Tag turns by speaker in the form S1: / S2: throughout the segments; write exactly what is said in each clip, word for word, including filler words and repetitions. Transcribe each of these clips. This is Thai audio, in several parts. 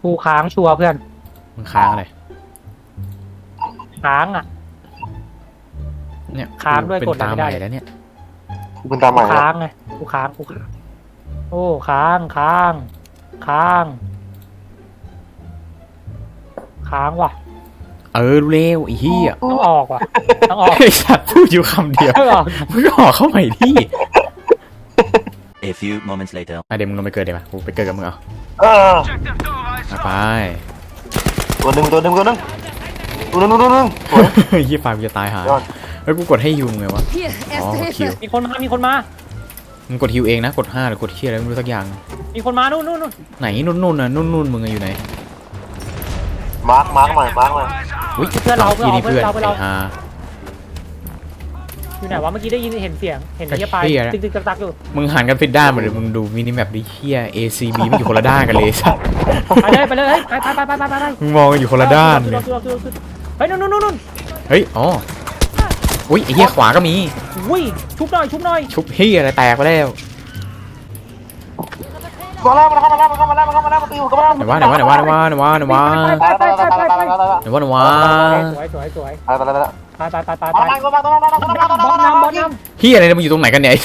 S1: กูค้างชัวร์เพื่อน
S2: มึงค้างอะไร
S1: ค้างอ่ะ
S2: เนี่ย
S1: ค้างด้วยกด
S2: ตาม
S1: ไม่
S2: ให
S1: ได้
S2: ม่แล้วเนี่ย
S3: กูเป็นตามใหม่
S1: ค้างไงกูค้างกูค้างโอ้ค้างค้างค้างค้างว่ะ
S2: เออรู้เร็วไอ้เหี้ย
S1: ต้องออกว่ะต้องออก
S2: ไอ้สัตว์พูดอยู่คำเดียว
S1: ต้องออก
S2: มึงออกเข้าใหม่ที่
S4: A few moments later
S2: อ่ะเดี๋ยวมึงลงไปเกิดเดี๋ยวมากูไปเกิดกับมึงเอา
S3: เออ
S2: ไป
S3: ตัวหนึ่งตัวหนึ่งตัวหนึ่งตัวหนึ่งตัวหนึ่งตัวหนึ่ง
S2: ยี่ปากกูจะตายหาเฮ้ยกูกดให้ยูมึงไงวะอ๋อคิว
S1: มีคนมามีคนมา
S2: มึงกดฮิวเองนะกดห้าหรือกดเคียอะไรไม่รู้สักอย่าง
S1: มีคนมานู่นนู่นนู่น
S2: ไหนนู่นนู่นน่ะนู่นนู่นมึงอยู่ไหน
S3: มาร์กมาร์กหน่อยมาร์กหน่อย
S2: อุ้ย
S1: เพื่อนเราเพื่อนเรา
S2: เพื่อน
S1: เราเพื่อนเรา
S2: ไอ้ฮา
S1: อยู่ไหนวะเมื่อกี้ได้ยินเห็นเสียงเห็นไอ้ปลายตึกตึกตักอยู่
S2: มึงหันกันผิดด้านหมดเลยมึงดูมินิแมปดิเฮีย เอ ซี บี มันอยู่คนละด้านกันเลยสัส
S1: ไปเลยไปเลยไปไปไปไปไปไป
S2: มึงมองกันอยู่คนละด้านเลย
S1: เฮ้ยนู่นนู่นนู่น
S2: เฮ้ยอ๋ออุ้ยไอ้เหี้ยขวาก็มี
S1: อุ้ยชุบหน่อยชุบหน่อย
S2: ชุบเฮียอะไรแตกไปแล้ว
S3: มาแล้วมาแล้วมาแล้วมาแล้วมาแล้วมาแล้วมาตีหัวกันมาแล้ว
S2: ไหนวะไหนวะไหนวะไหนวะไหนวะไหนวะ
S1: ไปไปไปไปไปไป
S2: ไหนวะไหนวะ
S1: สวยสวยสวย
S3: ไปไปไปไป
S1: ไปไปไปไป
S3: มามามามามามามามามา
S1: บอลนำบอลน
S2: เฮียอะไรเนี่ยมึงอยู่ตรงไหนกันเนี่ย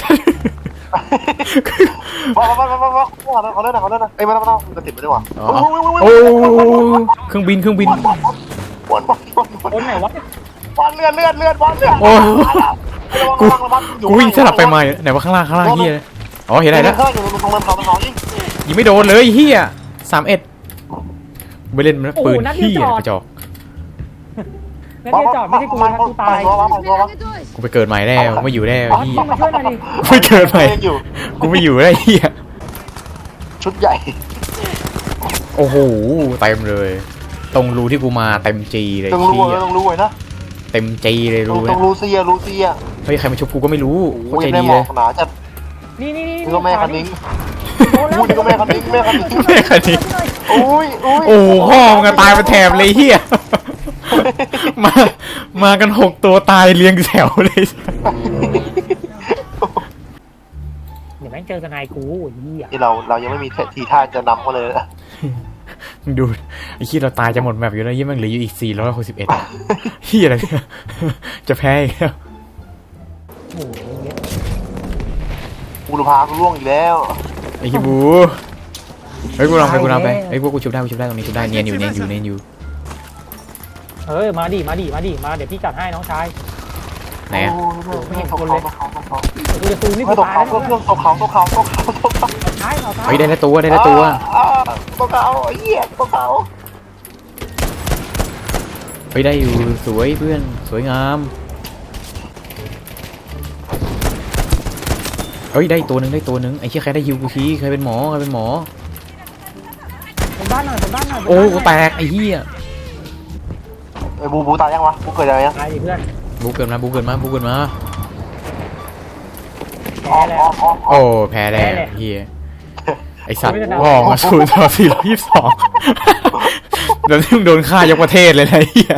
S3: มามามามามาเขาเล่นนะเขาเล่นนะเอ้ยมาแล้วมาแล้วจะติดไปด้วยวะ
S2: โอ้เครื่องบินเครื่องบิน
S3: บอลบอลบอลบอล
S1: ำบอลไหนวะ
S3: บอลเลื่อนเลื่อนเลื่อนบอลเลื่อน
S2: โอ้กูกูวิ่งสลับไปมาไหนวะข้างล่างข้างล่างเฮียอ๋อเห็นอะไรแล้วยิงไม่โดนเลยเฮียสามเอ็ดไปเล่นมันปืนเฮียกระจอก
S1: นั่นเดียจอดไม่ใช่กูนะกูตาย
S2: กูไปเกิดใหม่แล้วไม่อยู่แล้วเฮีย
S1: มาช่วยหน่อยดิ
S2: ไม่เกิดใหม่กูไม่อยู่แล้วเฮีย
S3: ชุดใหญ่
S2: โอ้โหเต็มเลยตรงรูที่กูมาเต็มจีเลย
S3: ต้องรู้ต้องรู้ไว้นะ
S2: เต็มจีเลยรู
S3: ต้องรู้เสียรู้เสีย
S2: เฮ้ยใครมาชุบกูก็ไม่รู้เข้าใจดีเลย
S3: หนาจัด
S1: นี่นี่
S3: นี่ก็แม่คันนิ้งอุ้ยนี่ก็แม่คันนิ้งแม่คันนิ้ง
S2: แม่คันนิ้ง
S3: อุ้ยอุ้ย
S2: โอ้พ่อมึงตายไปแถบเลยเฮียมามากันหกตัวตายเรียงแถวเลย
S1: เดี๋ยวแม่งเจอกันนายกูเฮีย
S3: ที่เราเรายังไม่มีทีท่าจะนำเขาเลย
S2: มึงดูไอ้ขี้เราตายจะหมดแมปอยู่แล้วยี่แม่งเหลืออยู่อีกสี่ร้อยหกสิบเอ็ดเฮียอะไรเนี่ยจะแพ้อีกแล้ว
S1: โอ้โห
S3: บูรพากูล่วงอีกแล้ว
S2: ไอ้ขี้บูเฮ้ยกูลองไปกูลองไปเฮ้ยกูกูชุบได้กูชุบได้ตรงนี้ชุบได้เนียนอยู่เนียนอยู่เนียนอยู่
S1: เฮ้ยมาดิมาดิมาดิมาเดี๋ยวพี่จัดให้น้องชาย
S2: ไหนอ่ะ
S1: ไม่เห็นคนเลยกูจะซูมนี่กู
S3: ตก
S1: ตาย
S3: เขาตกเขาตกเขาตกเขาตกเขาตกเขา
S1: ท้ายเอาท้าย
S2: เฮ้ยได้แล้วตัวได้แล้วตัว
S3: ตกเขาเหี้ยตกเขา
S2: เฮ้ยได้อยู่สวยเพื่อนสวยงามเฮ้ยได้ตัวหนึ่งได้ตัวหนึ่งไอ้เชี่ยใครได้ฮิวกูทีใครเป็นหมอใครเป็นหมอ
S1: เป็นบ้านหน่อยเป็นบ้านหน่อย
S2: โอ้กูแตกไอ้เหี้ย
S3: ไอ้บูบูตายยังวะบูเกิดอะไรยัง
S1: ตายดิเพื่อน
S2: บูเกิดมาบูเกิดมาบูเกิดมา
S1: แพ้แล้ว
S2: โอ้แพ้แล้วเหี้ยไอ้สัตว์พ่อมาศูนย์ต่อสี่ร้อยยี่สิบสองแล้วที่มึงโดนฆ่ายกประเทศเลยนะเหี้ย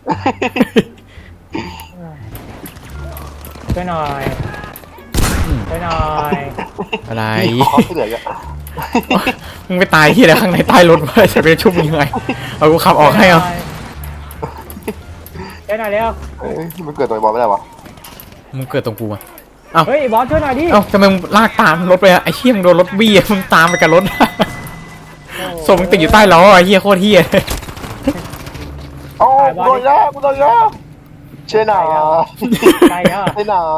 S1: ช่วยหน่อยช่วยหน่อย
S2: อะไรมึงไปตายที่ไหนข้างในใต้รถวะจะไปชุบยังไงเอากูขับออกให้เอา
S1: ช่วยหน่อยเร็ว
S3: มันเกิดตัวบอลไม่ได้วะ
S2: มึงเกิดตรงกูอ่ะเอ้า
S1: เฮ้ยบอลช่วยหน่อยดิ
S2: เอ้าทำไมมึงลากตามรถไปอะไอ้เหี้ยมึงโดนรถบี้มึงตามไปกับรถส่งมึงติดอยู่ใต้ล้อไอ้เหี้ยโคตรเหี้ย
S3: โอ้กูโดนยากูโดนยาเชน่า
S1: ใช่อ่ะ
S3: เชน่า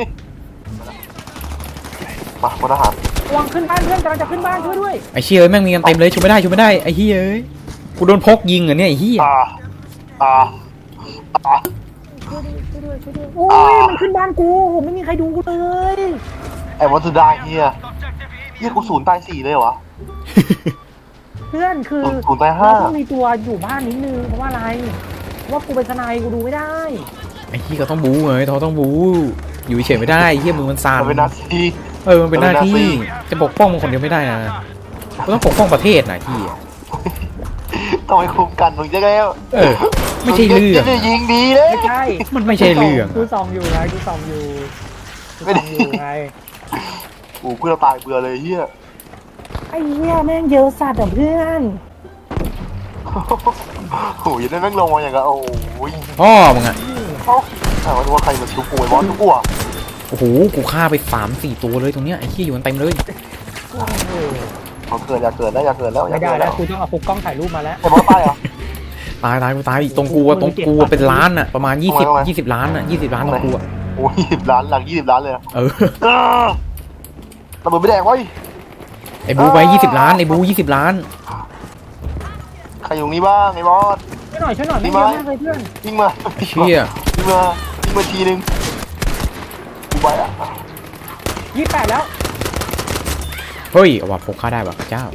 S3: มาพลทหาร
S1: วางขึ้นบ้านเพื่อนกำลังจะขึ้นบ้านช่วยด้วย
S2: ไอ้เชี่ยเอ้ยแม่งมีกันเต็มเลยช่วยไม่ได้ช่วยไม่ได้ไอ้เหี้ยเอ้ยกูโดนพกยิงเหรอเนี่ยไอ้เหี้ย
S3: อ่าอ่าอ่า
S1: โอ้ยมันขึ้นบ้านกูผมไม่มีใครดูกูเลย
S3: ไอ้วัตถุได้เฮียเฮียกูศูนย์ตายสี่เลยวะ
S1: เพื่อนคือ
S3: ศูนย์ตายห้า
S1: ต้องมีตัวอยู่บ้านนิดนึงเพราะว่าอะไรว่ากูเป็นทนายกูดูไม่ได้
S2: ไอ้เหี้ยก็ต้องบู๊ไงเขาต้องบู๊อยู่เฉยไม่ได้เหี้ยมือมันสั่น
S3: มันเป็นหน้าที่
S2: เออมันเป็นหน้าที่จะปกป้องมึงคนเดียวไม่ได้นะกูต้องปกป้องประเทศนะที่
S3: ต้องไปคุมกันมึงจะไง
S2: เออไม่ใช่เรื่อง
S3: จะยิงดีเลย
S1: ไม่ใช่
S2: มันไม่ใช่เรื่อง
S1: กูส่องอยู่ไงกูส่องอยู่ไม่ได้อยู่ไง
S3: โอ้เพื่อนตายเบื่อเลยเฮีย
S1: ไอ้เหี้ยแม่งเยอะสัตว์อ่ะเพื่อน
S3: โอ้ยได้แม่งลงมาอย่างเงี้ยโอ้ย
S2: พ่อมึงอะ
S3: เอ้าแต่ว่าใครมาชุบกูไอ้บอสชุบกูอ่ะ
S2: โอ้โหกูฆ่าไปสามสี่ตัวเลยตรงเนี้ยไอ้ขี้อยู่กันเต็มเลย
S3: เขาเกิดอยากเกิดแล้วอยากเกิดแล้วอยา
S1: ไม่
S3: ก
S1: ได้
S3: เกิด
S1: แล้
S3: แล้ว ว
S1: กูต้องเอาปุกกล้องถ่ายรูปมาแล้ว
S3: ไอ้บอสตายเหรอ
S2: ตายตายกูตายตรงกูอะตรงกูอะเป็นล้านอะประมาณยี่สิบยี่สิบล้านอะยี่สิบล้านตรงกูอะ
S3: โอ้ยยี่สิบล้านหลังยี่สิบล้านเลย
S2: เออ
S3: ระเบิดไม่แดงวะ
S2: ไอ้บูไปยี่สิบล้านไอ้บูยี่สิบล้าน
S3: ใครอยู่นี้บ้างไอ้บอส
S1: ช่วยหน่อยช่วยหน่อยไม่เยอะมากเลยเพื่อน
S3: ยิงมา
S2: เชี่ย
S3: ยิงมายิงมาทีนึงกูไปอ่ะ
S1: ยี่สิบแปดแล้ว
S2: เฮ้ยเอาว่ะพกฆ่าได้ว่ะเจ้า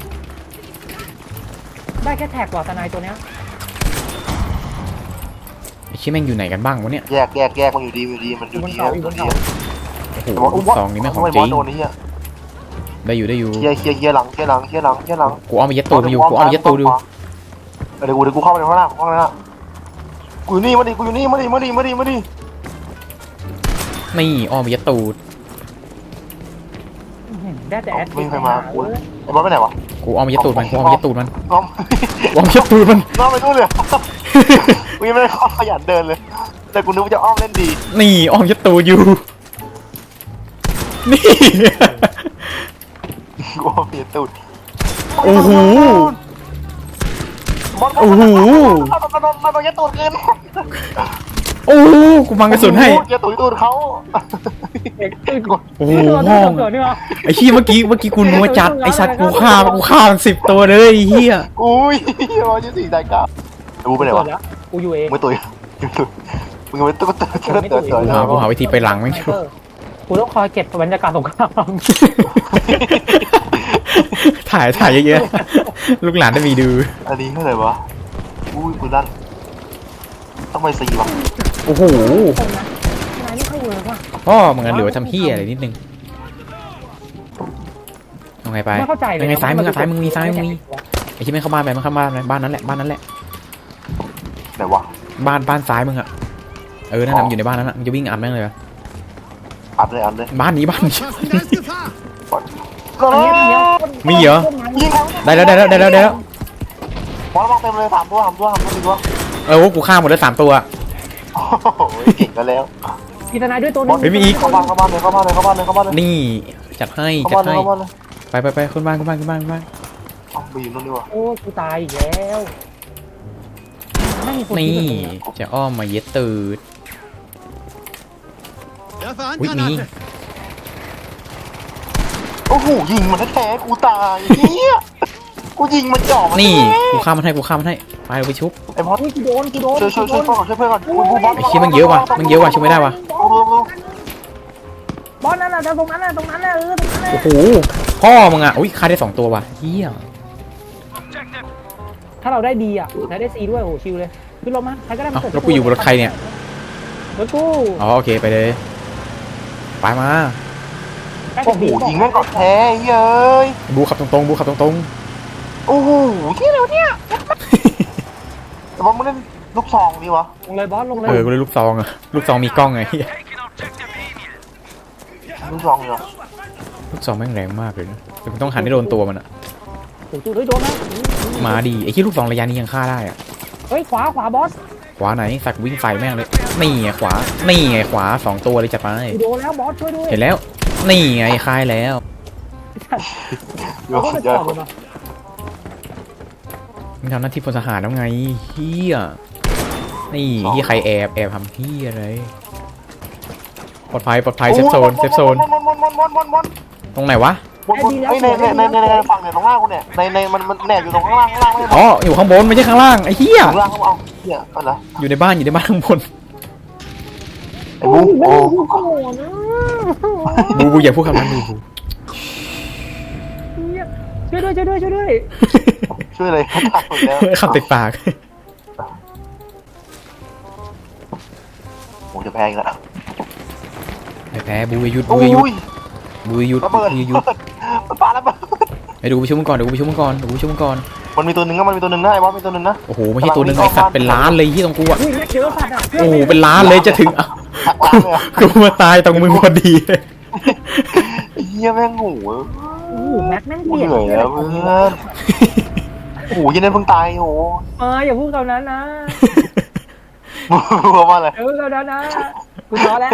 S1: ได้แค่แท็กกว่าทนายตัวเนี้ย
S2: ไอ้ชี้แม่งอยู่ไหนกันบ้างวะเนี่ย
S3: แยกแยกแยกมันอยู่ดีอยู่ดีมันอยู่ดี
S1: บนเขา
S2: โอ้โหซองนี้ไม่งของจริง
S3: โดนนี้อ่ะ
S2: ได้อยู่ได้อยู่
S3: เคลียร์เคลียร์เคลียร์หลังเคลียร์หลังเคลียร์หลังเคลียร์หลัง
S2: กูเอามายัดตูดมาอยู่กูเอามายัดตูดดู
S3: เดี๋ยวกูเดี๋ยวกูเข้าไปในห้องน้ำห้องน้ำกูอยู่นี่มาดิกูอยู่นี่มาดิมาดิมาดิมาดิ
S2: นี่อ้อมมายัดตูด
S1: ได้แต่แอด
S3: ไม่มีใครมากูไอ้บอสไปไหนวะ
S2: กูเอามายัดตูดมันกูเอามายัดตูดมัน
S3: น้อง
S2: กูเอามายัดตูดมัน
S3: น้องไปนู่นเลยกูยังไม่ได้ขยันเดินเลยแต่กูนึกว่าจะอ้อมเล่นดี
S2: นี่อ้อมยัดตูดอยู่นี่
S3: กูอ้อมเปลี่ยนตูด
S2: โอ้โห
S3: โอ้โหมันมันมันมันยัดตูดเกิน
S2: โอ้โหกูบังกระสุนให้
S3: ยัดตูดตูดเขา
S1: เด็กตื่น
S2: โอ้โห
S1: ตัว
S2: ห้อง
S1: เกิดนี่วะ
S2: ไอ้ขี้เมื่อกี้เมื่อกี้กูนัวจัดไอ้สัตว์กูฆ่ากูฆ่ามันสิบตัวเลยไอ้เฮีย
S3: อุ้ยบอลยี่สี่ใจกล้ากูไปไหนวะ
S1: กูอยู่เอง
S3: ไม่ตุยมึงไม่ตุยตุยตุยตุยตุย
S2: กูหากูหาวิธีไปหลังไม่ถูก
S1: กูต้องคอยเก็บบรรยากาศสงคราม
S2: ถ่ายถ่ายเยอะๆลูกหลานได้มีดู
S3: อันนี้เท่าไหร่วะอุ้ยปืนนั่นต้องไปสี่วะ
S2: โอ้โห
S1: นายไม่ค่อยเวิร์กว่ะ
S2: พ่อมึงงั้นเหลือทำเฮียอะไรนิดนึงเอาไงไป
S1: ไม่เข้าใจเลย
S2: ยังไงซ้ายมึงอะซ้ายมึงมีซ้ายมึงมีไอ้ที่ไม่เข้าบ้านไปมันเข้าบ้านบ้านนั้นแหละบ้านนั้นแหละ
S3: ไหนวะ
S2: บ้านบ้านซ้ายมึงอะเออนั่นน่ะมันอยู่ในบ้านนั้นอะมึงจะวิ่งอัดแม่งเลย
S3: อัดเลยอัดเลย
S2: บ้านนี้บ้านนี้
S3: ก็
S1: อันนี้เนี้ย
S2: มีเหรอ
S3: ยิง
S2: ได้แล้วได้แล้วได้แล้วได้แล้ว
S3: บอลมองเต็มเลยสามตัวสามตัวสามตัวสี่ตัว
S2: เออกูฆ่าหมดแล้วสามตัว
S3: โอ้โหเก่งกันแล้ว
S1: พี่ทนายด้วยตัวนึง
S3: เข้าบ้านเข้าบ้านเลยเข้าบ้านเลยเข้าบ้านเลยเข้าบ้านเลย
S2: นี่จัดให้
S3: เข้า
S2: จัด
S3: บ้านเลย
S2: ให้
S3: เข้าบ้านเลย
S2: ไปไปไปขึ้นบ้านขึ้นบ้านขึ้นบ้านขึ้นบ้าน
S3: เอาไปอยู่นู่นดีกว่า
S1: โอ้กูตายอีกแล้วไม่มีคน
S2: นี่
S1: ที่แบบนี้
S2: จะอ้อมมาเย็ดตืดวิมี
S3: โอ้โหยิงมันแท้ๆกูตายเฮียกูยิงมันจ่อมัน
S2: นี่กูฆ่ามันให้กูฆ่ามันให้ไปเอาไปชุบ
S3: ไอ้บอส
S1: อุ้ยกูโดนกูโดน
S3: ช่วยช่วยช่วยเพื่อนก่อนช่วยเพื่อนก่อนกูกูบอส
S2: ไอ้ขี้มันเยอะว่ะมันเยอะว่ะช่วยไม่ได้ว่ะ
S1: บอลนั่นน่ะตรงนั้นน่ะตรงนั้นน่ะเออตรงนั้นน่ะ
S2: โอ้โหพ่อมึงอ่ะอุ้ยฆ่าได้สองตัวว่ะเฮีย
S1: ถ้าเราได้ดีอ่ะแล้วได้ซีด้วยโอ้ชิวเลยขึ้นรถมาใครก็ได้
S2: เอ้าแล้วกูอยู่บนรถใครเนี่ย
S1: รถกู
S2: อ๋อโอเคไปเลยไปมา
S3: โอ้โหยิงแม่งก่อนแท้เย้ย
S2: บูขับตรงๆบูขับตรง
S3: โอ้โหที่เร็วเนี่ยแต่ว่ามันเล่นลูกซองนี่วะ
S1: ลงเลยบอสลงเล
S2: ๆ
S1: ย
S2: เออกูเลยลูกซองอ่ะลูกซองมีกล้องไงเฮีย
S3: ลูกซองนี่วะ
S2: ลูกซองแม่งแรงมากเลยนะแต่มึงต้องหันให้โดนตัวมันอ่ะ
S1: โอ้โหเฮ้ยโดนนะ
S2: มาดีไอ้ที่ลูกซองระยะนี้ยังฆ่าได้อ่ะ
S1: เฮ้ยขวาขวาบอส
S2: ขวาไหนสักวิ่งใส่แม่งเลยนี่ไงขวานี่ไงขวาสองตัวเลยจัดไป
S1: กูโดนแล้วบอสช่วยด้วย
S2: เห็นแล้วนี่ไงคลายแล้ว
S3: เย
S1: เรา
S3: อะ
S1: ก็ไป
S3: เย
S1: ต่
S3: อะ
S1: อเลยมา
S2: มึงทำหน้าที่พลทหารแล้วไงเฮียนี่เฮียใครแอบแอบทำเฮียอะไรปลอดภัยปลอดภัยเซฟโซนเซฟโซน
S3: วนวนวนวนวนวน
S2: ตรงไหนวะ
S3: วนวนไอ้ในในในในในฝั่งเนี่ยตรงล่างกูเนี่ยในในมันมันแหนบอยู่ตรงข้างล่างข้างล่างไม่ใช่
S2: อ๋ออยู่ข้างบนไม่ใช่ข้างล่างไอ้เฮีย
S3: ข้างล่างเขาเอาเหี้ยอะไร
S2: อยู่ในบ้านอยู่ในบ้านข้างบน
S3: ไอ้บูโอ้
S1: โอ้โหนะ
S2: บูบูอย่าพูดคำนั้นบูบู
S1: ช่วยด้วยช่วยด้วยช่วยด้วย
S3: ช่วยเลยเขาตายหมดแล้ว
S2: คำติดปาก
S3: โอ้จะแพงแล้ว
S2: ไม่แพ้บูอย่าหยุด
S3: โอ้
S2: บูอย่าหยุด
S3: ย
S2: บูอย่าหยุด
S3: ระเบิด
S2: บูอย่าหยุด
S3: มันปาระเบิด
S2: ไอ้ดูกูไปช่วยมึงก่อนเดี๋ยวกูไปช่วยมึงก่อนเดี๋ยวกูไปช่วยมึงก่อน
S3: มันมีตัวหนึ่งนะมันมีตัวหนึ่งนะไอ้บอสมีตัวหนึ่งนะ
S2: โอ้โหไม่ใช่ตัวหนึงไอ้สัตว์เป็นล้านเลยที่ตรงกูอ่ะ
S1: อุ้ยแม็กเจอสัตว์อ่ะ
S2: โอ้โหเป็นล้านเลยจะถึงอ่ะ
S3: หักล้างเลยอะ
S2: กูมาตายตรงมึงพอดีเลย
S3: เฮียแม่งโง่
S1: โอ้โหแม็กแม่ง
S3: กู
S1: เปลี่ยน
S3: เหนื่อยแล้วเพื่อนโอ้ยยันนั้นเพิ่งตายโอ้
S1: มาอย่าพูดคำนั้นนะ
S3: กลัวว่าอะไร
S1: อย่าพูดคำนั้นนะกูท้อแล้ว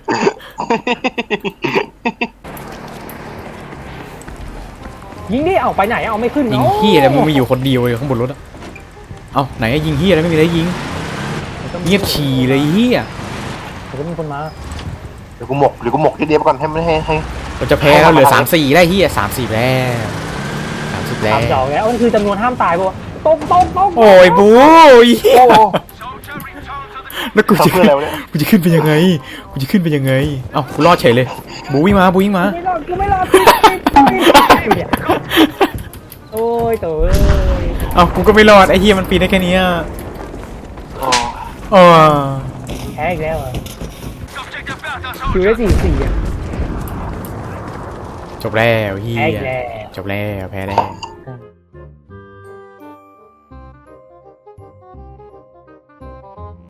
S1: ยิงดิเอาไปไหนเอาไม่ขึ้น
S2: ยิง
S1: เนาะ
S2: เฮียอะไรมึงมีอยู่คนเดียวเลยข้างบนรถอะเอ้าไหนอะยิงเฮียอะไรไม่มีอะไรยิงเงียบฉี่เลยเฮีย
S1: เดี๋ยวก็มีคนมา
S3: เดี๋ยวกูหมกเดี๋ยวกูหมกที่เดียวก่อนให้ไม่ให้ให้
S2: เราจะแพ้แล้วเหลือสามสี่ได้เฮียสามสี่แล้วสามสิบแล้
S1: ตามเจาะ
S2: ว
S1: แล้วนั่นคือจำนวนห้ามตายปะวะตกตกตก
S2: โอ้ยบูเฮีย
S3: โอ้โห
S2: แล้วกูจะ
S3: ทำเพื่ออะไรวะเนี่ย
S2: กูจะขึ้นไปยังไงกูจะขึ้นไปยังไงเอ้ากูรอดเฉยเลยบูวิ่งมาบูวิ่งมา
S1: ไม่รอดกูไม่รอดติดติดติดอยู่เนี่ยโอ้ยตัวเอ้ย
S2: เอ้ากูก็ไม่รอดไอ้เฮียมันปีนได้แค่เนี้ย
S3: โอ้
S2: อ๋อ
S1: แพ้อีกแล้วอ่ะคิวได้สี่สี่อ่ะ
S2: จบแล้วเฮี
S1: แพ้อี
S2: ย
S1: กแล้ว
S2: จบแล้วแพ้แล้ว